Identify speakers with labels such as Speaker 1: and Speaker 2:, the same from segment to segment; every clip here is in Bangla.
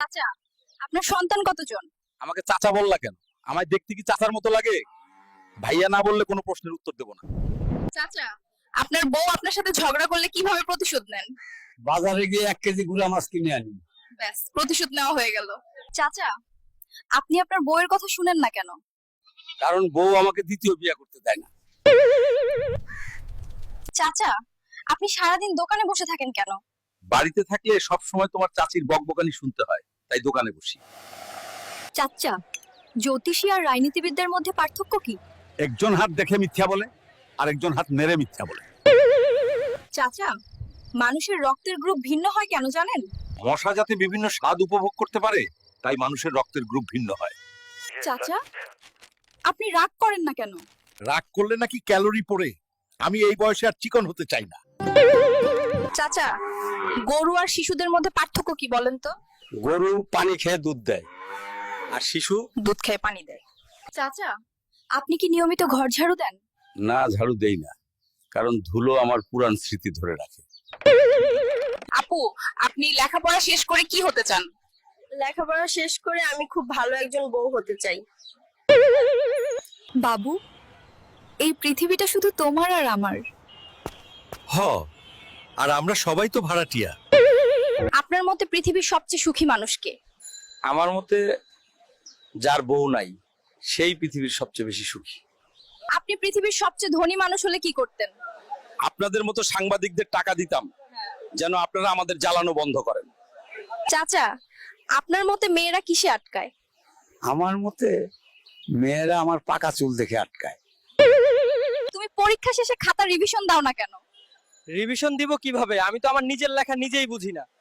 Speaker 1: চাচা, আপনার সন্তান কতজন?
Speaker 2: আমাকে চাচা বললা কেন? আমায় দেখতে কি চাচার মতো লাগে? ভাইয়া না বললে কোনো প্রশ্নের উত্তর দেব না।
Speaker 1: চাচা, আপনার বউ আপনার সাথে ঝগড়া করলে কিভাবে প্রতিশোধ নেন?
Speaker 3: বাজারে গিয়ে 1 কেজি গুড়া মাছ কিনে আনি।
Speaker 1: ব্যাস, প্রতিশোধ নেওয়া হয়ে গেল। চাচা, আপনি আপনার বউয়ের কথা শুনেন না কেন?
Speaker 2: কারণ বউ আমাকে দ্বিতীয় বিয়ে করতে দেয় না।
Speaker 1: চাচা, আপনি সারাদিন দোকানে বসে থাকেন কেন?
Speaker 2: বাড়িতে থাকলে সব সময় তোমার চাচির বকবকানি শুনতে হয়, তাই দোকানে বসি।
Speaker 1: চাচা, জ্যোতিষী আর রাজনীতিবিদদের মধ্যে পার্থক্য কি?
Speaker 2: একজন হাত দেখে মিথ্যা বলে, আর একজন হাত মেরে মিথ্যা বলে।
Speaker 1: চাচা, মানুষের রক্তের গ্রুপ ভিন্ন হয় কেন জানেন?
Speaker 2: মশা যাতে বিভিন্ন স্বাদ উপভোগ করতে পারে, তাই মানুষের রক্তের গ্রুপ ভিন্ন হয়।
Speaker 1: চাচা, আপনি রাগ করেন না কেন?
Speaker 2: রাগ করলে নাকি ক্যালোরি পড়ে। আমি এই বয়সে আর চিকন হতে চাই না।
Speaker 1: চাচা, গরু আর শিশুদের মধ্যে পার্থক্য কি বলেন তো?
Speaker 3: গরু পানি খেয়ে দুধ দেয়,
Speaker 2: আর শিশু
Speaker 1: দুধ খেয়ে পানি দেয়। চাচা, আপনি কি নিয়মিত ঘর ঝাড়ু দেন?
Speaker 2: না, ঝাড়ু দেই না, কারণ ধুলো আমার পুরান স্মৃতি ধরে রাখে।
Speaker 1: আপু, আপনি লেখাপড়া শেষ করে কি হতে চান?
Speaker 4: লেখাপড়া শেষ করে আমি খুব ভালো একজন বউ হতে চাই।
Speaker 1: বাবু, এই পৃথিবীটা শুধু তোমার আর আমার।
Speaker 2: হ, আর আমরা সবাই তো ভাড়াটিয়া।
Speaker 1: আপনার মতে পৃথিবীর সবচেয়ে সুখী মানুষ কে?
Speaker 2: আমার মতে যার বউ নাই সেই পৃথিবীর সবচেয়ে বেশি সুখী।
Speaker 1: আপনি পৃথিবীর সবচেয়ে ধনী মানুষ হলে কি করতেন?
Speaker 2: আপনাদের মতো সাংবাদিকদের টাকা দিতাম, যেন আপনারা আমাদের জ্বালানো বন্ধ করেন।
Speaker 1: চাচা, আপনার মতে মেয়েরা কিসে আটকায়?
Speaker 3: আমার মতে মেয়েরা আমার পাকা চুল দেখে আটকায়।
Speaker 1: তুমি পরীক্ষা শেষে খাতা রিভিশন দাও না কেন?
Speaker 5: রিভিশন দিব কিভাবে? আমি তো আমার নিজের লেখা নিজেই বুঝি না।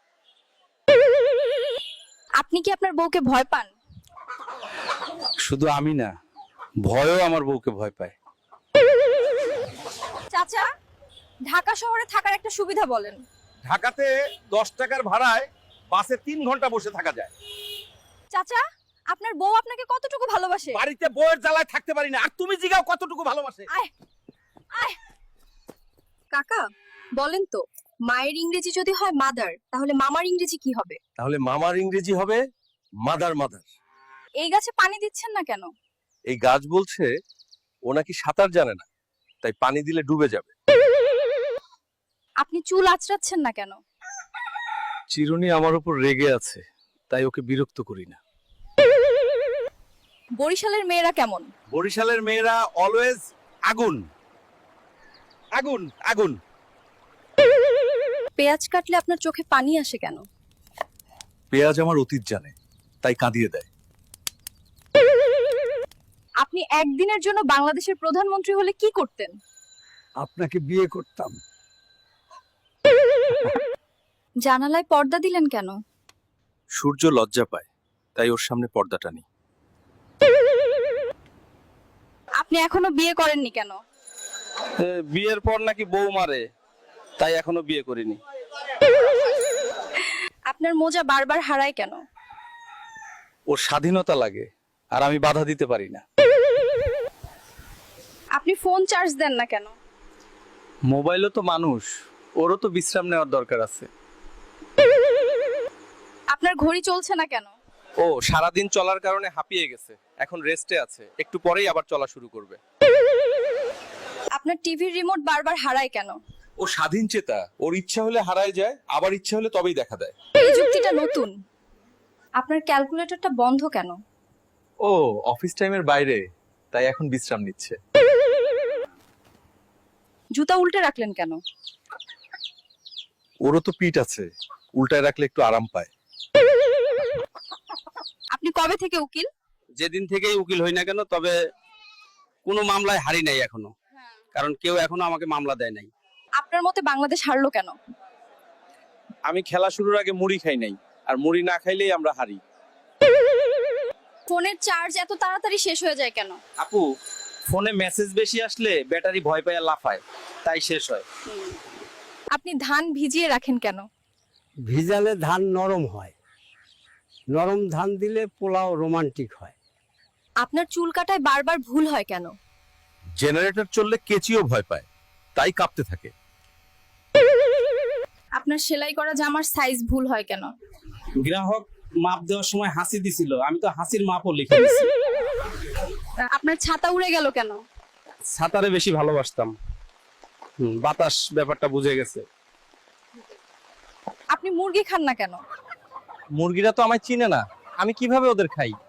Speaker 1: আপনি কি আপনার বউকে ভয় পান?
Speaker 2: শুধু আমি না, ভয়ও আমার বউকে ভয় পায়।
Speaker 1: চাচা, ঢাকা শহরে থাকার একটা সুবিধা বলেন।
Speaker 2: ঢাকাতে 10 টাকার ভাড়ায় বাসে 3 ঘন্টা বসে থাকা যায়।
Speaker 1: চাচা, আপনার বউ আপনাকে কতটুকু ভালোবাসে?
Speaker 2: বাড়িতে বউয়ের জ্বালায় থাকতে পারি না, আর তুমি জিগাও কতটুকু ভালোবাসে।
Speaker 1: আয় আয়। কাকা, বলেন তো, মায়ের ইংরেজি যদি হয় মাদার, তাহলে মামার ইংরেজি কি হবে?
Speaker 2: তাহলে মামার ইংরেজি হবে মাদার মাদার।
Speaker 1: এই গাছে পানি দিচ্ছেন না কেন?
Speaker 2: এই গাছ বলছে ও নাকি সাঁতার জানে না, তাই পানি দিলে ডুবে যাবে।
Speaker 1: আপনি চুল আঁচড়াচ্ছেন না কেন?
Speaker 2: চিরুনি আমার উপর রেগে আছে, তাই ওকে বিরক্ত করি না।
Speaker 1: বরিশালের মেয়েরা কেমন?
Speaker 2: বরিশালের মেয়েরা অলওয়েজ আগুন আগুন আগুন।
Speaker 1: পেঁয়াজ কাটলে আপনার চোখে পানি আসে কেন?
Speaker 2: পেঁয়াজ আমার অতীত জানে, তাই কাঁদিয়ে দেয়।
Speaker 1: আপনি একদিনের জন্য বাংলাদেশের প্রধানমন্ত্রী হলে কি করতেন?
Speaker 3: আপনাকে বিয়ে করতাম।
Speaker 1: জানালায় পর্দা দিলেন কেন?
Speaker 2: সূর্য লজ্জা পায়, তাই ওর সামনে পর্দা টানি।
Speaker 1: আপনি এখনো বিয়ে করেননি কেন?
Speaker 5: বিয়ের পর নাকি বউ মারে, তাই এখনো বিয়ে করিনি।
Speaker 1: আপনার মোজা বারবার হারায় কেন?
Speaker 5: ওর স্বাধীনতা লাগে, আর আমি বাধা দিতে পারি না।
Speaker 1: আপনি ফোন চার্জ দেন না কেন?
Speaker 5: মোবাইলও তো মানুষ, ওরও তো বিশ্রাম নেওয়ার দরকার আছে।
Speaker 1: আপনার ঘড়ি চলছে না কেন?
Speaker 5: ও সারাদিন চলার কারণে হাঁপিয়ে গেছে, এখন রেস্টে আছে, একটু পরেই আবার চলা শুরু করবে।
Speaker 1: আপনার টিভির রিমোট বারবার হারায় কেন?
Speaker 2: ও স্বাধীন চেতা, ওর ইচ্ছা হলে হারায় যায়, আবার ইচ্ছা হলে তবেই দেখা দেয়।
Speaker 1: এই যুক্তিটা নতুন। আপনার ক্যালকুলেটরটা বন্ধ কেন?
Speaker 5: ও অফিস টাইমের বাইরে, তাই এখন বিশ্রাম নিচ্ছে।
Speaker 1: জুতা উল্টে রাখলেন কেন?
Speaker 2: ওরও তো পিঠ আছে, উল্টায় রাখলে একটু আরাম পায়।
Speaker 1: আপনি কবে থেকে উকিল?
Speaker 5: যেদিন থেকেই উকিল হই না কেন, তবে কোনো মামলায় হারি নাই এখনো, কারণ কেউ এখনো আমাকে মামলা দেয় নাই।
Speaker 1: আপনার মতে বাংলাদেশ হারলো কেন?
Speaker 5: আমি খেলা শুরুর আগে মুড়ি খাই নাই, আর মুড়ি না খাইলেই আমরা হারি।
Speaker 1: ফোনের চার্জ এত তাড়াতাড়ি শেষ হয়ে যায় কেন?
Speaker 5: আপু, ফোনে মেসেজ বেশি আসলে ব্যাটারি ভয় পায় লাফায়, তাই শেষ হয়।
Speaker 1: আপনি ধান ভিজিয়ে রাখেন কেন?
Speaker 3: ভিজালে ধান নরম হয়, নরম ধান দিলে পোলাও রোমান্টিক হয়।
Speaker 1: আপনার চুল কাটায় বারবার ভুল হয় কেন?
Speaker 2: জেনারেটর চললে কেচিও ভয় পায়, তাই কাঁপতে থাকে।
Speaker 1: আপনার সেলাই করা জামার সাইজ ভুল হয় কেন?
Speaker 5: গ্রাহক মাপ দেওয়ার সময় হাসি দিছিল, আমি তো হাসির মাপও লিখে দিছি।
Speaker 1: আপনার ছাতা উড়ে গেল কেন?
Speaker 5: ছাতারে বেশি ভালোবাসতাম। বাতাস ব্যাপারটা বুঝে গেছে।
Speaker 1: আপনি মুরগি খান না কেন?
Speaker 6: মুরগিরা তো আমায় চিনে না, আমি কিভাবে ওদের খাই?